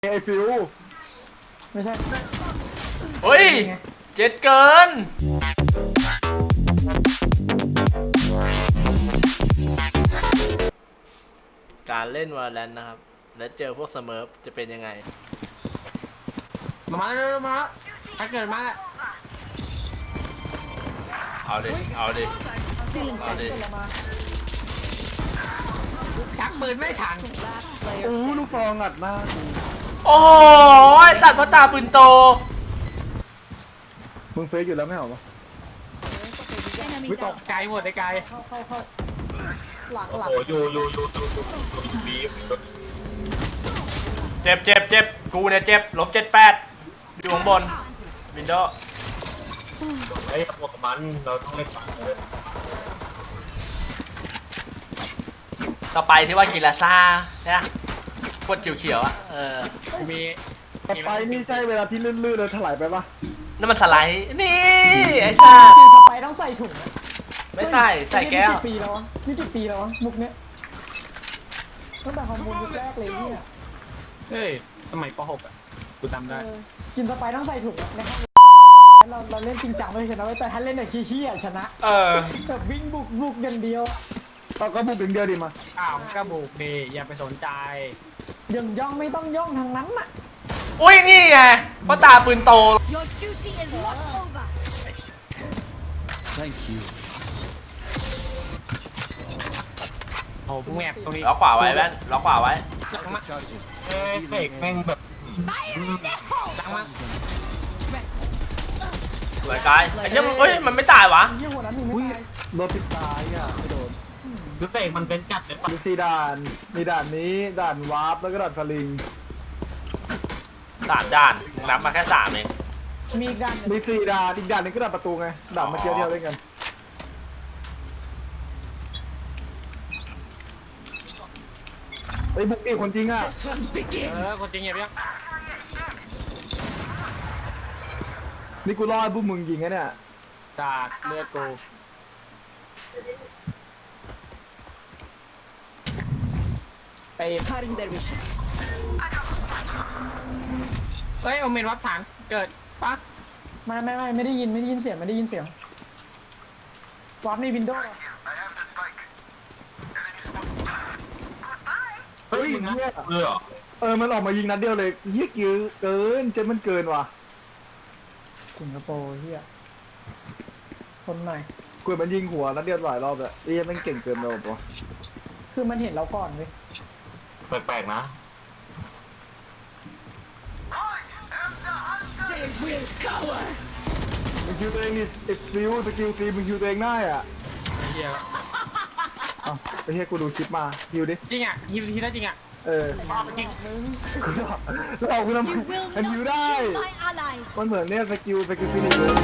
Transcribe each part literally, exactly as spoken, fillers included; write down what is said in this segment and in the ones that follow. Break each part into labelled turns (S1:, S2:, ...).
S1: ไอฟิว
S2: ไม่ใช่
S3: เฮ้ยเจ็ดเกินการเล่นวาแลนนะครับแล้วเจอพวกเสมอจะเป็นยังไง
S2: มามาแล้วมาถ้าเกิดมาแล้ว
S3: เอาดิเอาดิเอาดิ
S2: ชักปืนไม่ถัง
S1: โอ้ลูกฟองอัดมาก
S3: โอ้ยสัตว์พ่อตาปืนโต
S1: มึงเฟซอยู่แล้วไม่เหรอวะ
S2: ไม่ตกไกลหมดไอ้ไกลเข้าเข้าเข้าหลังหลัง
S4: โอ้โหอยู่อยู่อยู่อยู่อยู่อยู่บี
S3: เจ็บเจ็บเจ็บกูเนี่ยเจ็บลบเจ็ดแปดอยู่ข้างบนวินโดว์
S4: ไอ้พวกมันเราต้องเล่นฝั่งเลย
S3: ต่อไปที่ว่ากิลาซ่าเนี่ยพวดเขียวๆอ่ะเออ
S2: มี
S1: ไปนี่ใช่เวลาที่ลื่นๆเลยถลายไปปะ
S3: นั่นมันสไลด์นี่ไอ้ซ่า
S2: กินเข้าไปต้องใส่ถุง
S3: ไม่ใส่ใส่แก้ว
S2: นี่กี่ปีแล้ววะนี่กี่ปีแล้ววะมุกเนี้ยตั้งแต่ฮอร์โมนยุคแรกเลยเนี่ย
S4: เฮ้ยสมัยป .หก อ่ะกูจำได้
S2: กินสไปต้องใส่ถุงนะครับเราเราเล่นจริงจังไม่ชนะแต่ถ้าเล่นแบบขี้ๆชนะ
S3: เออ
S2: แบบวิ่งบุกบุกอย่างเดียว
S1: เราก็บุกอย่างเดียวดิมา
S4: อ้าวก็บุกดิอย่าไปสนใจ
S2: ย่องย่องไม่ต้องย่องทางนั้นน่ะ
S3: อุ้ยนี่ไงพ่อตาปืนโต
S5: Your duty is not over.
S6: Thank you.
S4: โอ้พุ่งแอบตรงนี้
S3: ล็อกขวาไว้แว่นล็อกขวาไว้
S4: เฮ้ยเบรกแม่งแบบดังมาก
S3: สวยกายไอ้เนี้ยเฮ้ยมันไม่ตายวะ
S2: ยี่หัวนั้นมีไม่ตาย
S1: รถติดตายอ่ะไม่โดน
S4: คือเบรกมันเป็นกัดเลยปะ
S1: มีสี่ด่านมีด่านนี้ด่านวาร์ปแล้วก็ด่านสลิง
S3: สามด่านนับมาแค่สามเอง
S2: มีอีกด่าน
S1: มีสี่ด่านอีกด่านนึงก็ด่านประตูไงด่านมาเจอเที่ยวเล่นกันไอ้บุกอีกคนจริงอ่ะ
S4: เออคนจริงอย่าเรียก
S1: นี่กูรอดบุกมึงยิงไงเนี่ย
S4: สาดเลือดกู
S2: ไปพาริงเดวิช
S4: เฮ้ยโอเมนวับฐานเกิดปะ
S2: ไม่ไม่ไม่ไม่ได้ยินไม่ได้ยินเสียงไม่ได้ยินเสียงวับในวินโดว์
S1: เฮ้ยเนี่ยเออเออมันออกมายิงนัดเดียวเลยเฮี้ยกิ้วเกินเจมันเกินว่ะ
S2: สิงคโปร์เฮียคนไหน
S1: กูมันยิงหัวนัดเดียวหลายรอบเลยเฮี้ยมันเก่งเกินไปหมดวะ
S2: คือมันเห็นเราก่อนเว้ย
S4: แปลกๆนะ
S1: มึงคิวตัวเองนี่เอ็กซ์ฟิวสกิลซีมึงคิวตัวเองได้อ่ะ
S4: เฮีย
S1: เอ้าไอ้เฮียกูดูคลิปมาคิวดิ
S4: จริงอ่ะฮิวทีได้จริงอ่ะ
S1: เออ
S4: จริง
S1: กูบอกเราคุณทำมันคิวได้มันเหมือนเนี่ยสกิลสกิลฟินิชเลย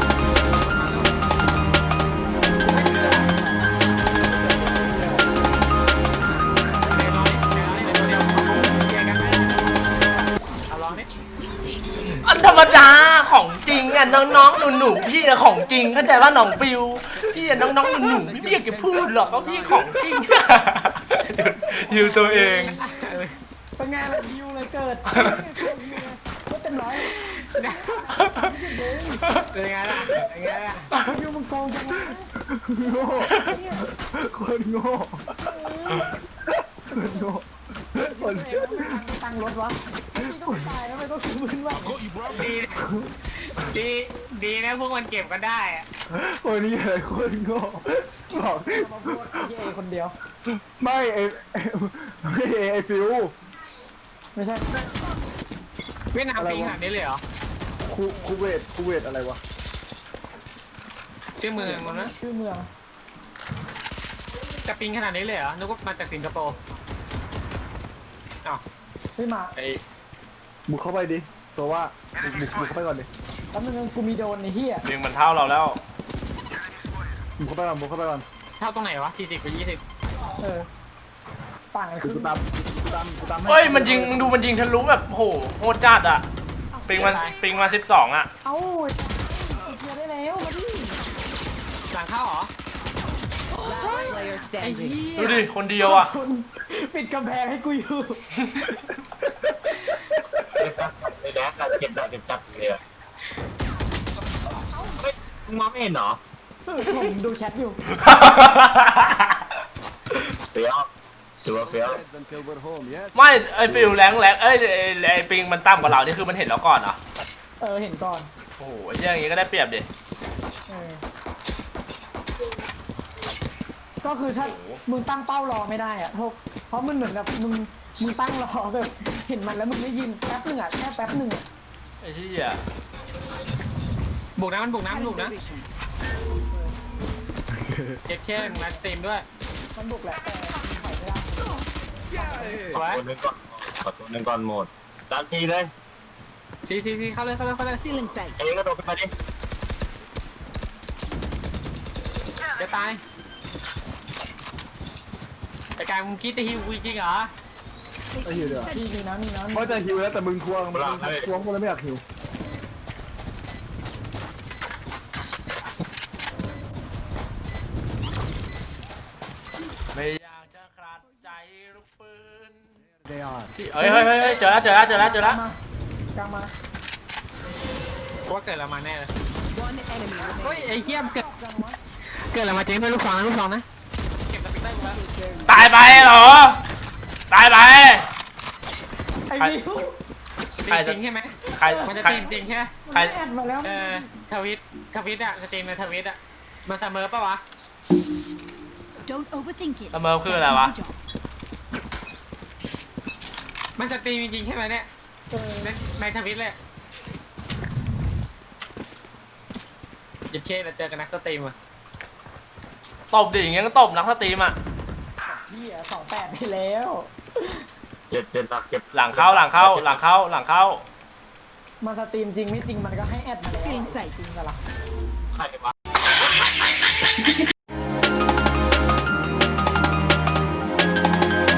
S3: อันธรรมดาของจริงอ่ะน้องๆหนูๆพี่อะของจริงเข้าใจว่าน้องฟิวพี่อะน้องๆหนูๆพี่อยากจะพูดหรอกว่าพี่ของจริงยูตัวเอง
S2: เป็นไงล่ะยูเลยเกิดก็เต็มร้อย
S4: เป็นไงล่ะเป็นไงล่ะ
S2: ยูมันโกงจัง
S1: โง่คนโง่คนโง่คน
S2: ตั้งรถวะนี่ก็ตายแล้วไม่ต้องซื้อมือวะ
S4: ดีดีดีนะพวกมันเก็บกันได้อะ
S1: คนนี้อะไรคนโง่บอก
S2: มาพูดเย่คนเดียว
S1: ไม่ไอไม่ไอฟิว
S2: ไม่ใช่
S4: เวียดนามปีขนาดนี้เลยเหรอ
S1: คูคูเวตคูเวตอะไรวะ
S4: ชื่อเมืองมันนะ
S2: ชื่อเมือง
S4: จะปิงขนาดนี้เลยเหรอนึกว่ามาจากสิงคโปร์อ้าว
S2: ไม่มา
S4: ไอ้
S1: บุกเข้าไปดิโซว่าบุกบุกเข้าไปก่อนดิ
S2: แป๊บนึงกูมีโดนในเฮีย
S3: เพียงมันเท่าเราแล้ว
S1: บุกเข้าไปก่อนบุกเข้าไปก่อน
S4: เท่าตรงไหนวะสี่สิบกับยี่สิบ
S2: เออต่างกันคือ
S1: กูตามกูตามกูตาม
S3: เฮ้ยมันยิงดูมันยิงทะลุแบบโหโหดจัดอ่ะปิงมาปิงมาสิบสองอ่ะ
S2: เอ้าเกียร์ได้แล้วมาดิ
S4: หลังเข้าเหรอ
S3: ดูดิคนเดียวอ่ะ
S2: ปิดกำแพงให้กูอยู่
S6: เก็บตับในแดกเก็บตับเก็บตับเลยเฮ้ยมึงมองไม่เห็นเหรอ
S2: ผมดูแชทอยู่
S6: เฟี้ยวถือว่าเฟี้ยว
S7: until we're home, yes?
S3: ไม่ไอฟิลแรงแรงเอ้ยไอ้ไอปิงมันต่ำกว่าเรานี่คือมันเห็นแล้วก่อนเหรอ
S2: เออเห็นก่อน
S3: โอ้โหไอ้เหี้ยอย่างงี้ก็ได้เปรียบดิ
S2: เออก็คือถ้ามึงตั้งเป้ารอไม่ได้อะเพราะเพราะมันเหมือนกับมึงมึงตั้งรอแบบเห็นมันแล้วมึงไม่ยินแป๊บหนึ่งอะแค่แป๊บหนึ่งอะ
S3: ไอ้เหี้ย
S4: บุกนะมันบุกนะมันบุกนะเจ็ดแค่มาสตรีมด้วย
S2: มันบุกแหละแต่มึงถอยไม่ได้
S4: สวย
S6: ตัวหนึ่งก่อนขอตัวหนึ่งก่อนหมดดันซีเลย
S4: ซีซีซีเข้าเลยเข้าเลยเข้าเลย
S5: Feeling safe.
S6: เองก็โดดขึ้นมาดิ
S4: จะตายแต่การมึงคิดจะฮิวกูจริงเหรอ
S1: ไอ้หิวเดี๋ยว
S2: พี่มีน้ำมีน้ำ
S1: เพราะจะหิวแล้วแต่มึงทวงมึงทวงกูเลยไม่อยากหิว
S3: ไม่อยากจะขาดใจลูกปืน
S7: They are.
S3: พี่เฮ้ยเฮ้ยเฮ้ยเจอแล้วเจอแล้วเจอแล้วเจอแล้ว
S2: มากลางมา
S4: กูว่าเกิดอะไรมาแน่เลย
S5: One enemy
S4: เฮ้ย
S5: remaining.
S4: ไอ้เหี้ยมเกิด
S2: กลางมา
S4: เกิดอะไรมาเจ๊งด้วยลูกฟองนะลูกฟองนะเก็บสปิเตอร์กูแล้ว
S3: ตายไปเหรอตายไป
S2: ไอ้บิว
S3: ใคร
S4: จ
S3: จะ
S4: ริงใช่ไหม
S3: ใคร
S4: มันจะ
S3: ใคร
S4: จริงจริงใช่ไหม
S2: มัน
S3: ใคร
S2: ไม่แอดมาแล้ว
S4: เออทวิตทวิตอะสตรีมในทวิตอะมันเสมอปะวะ
S5: Don't overthink it.
S3: เสมอคืออะไรวะ
S5: That's my job.
S4: มันสตรีมจริงๆใช่ไหมเนี่ย
S2: เออ
S4: ในในทวิตเลยหยิบเคสแล้วเจอกันนักสตรีมอะ
S3: ตบดิอย่างเงี้ยก็ตบนักสตรีมอ่ะ
S2: เฮียสองแปดไปแล้ว
S6: เจ็ดเจ็ดหลักเก็บ
S3: หลังเข้าหลังเข้าหลังเข้าหลังเข้า
S2: มาสตรีมจริงไม่จริงมันก็ให้แอดมาแล้ว
S5: Feeling safe.
S2: จริงกันละ
S6: ใครวะ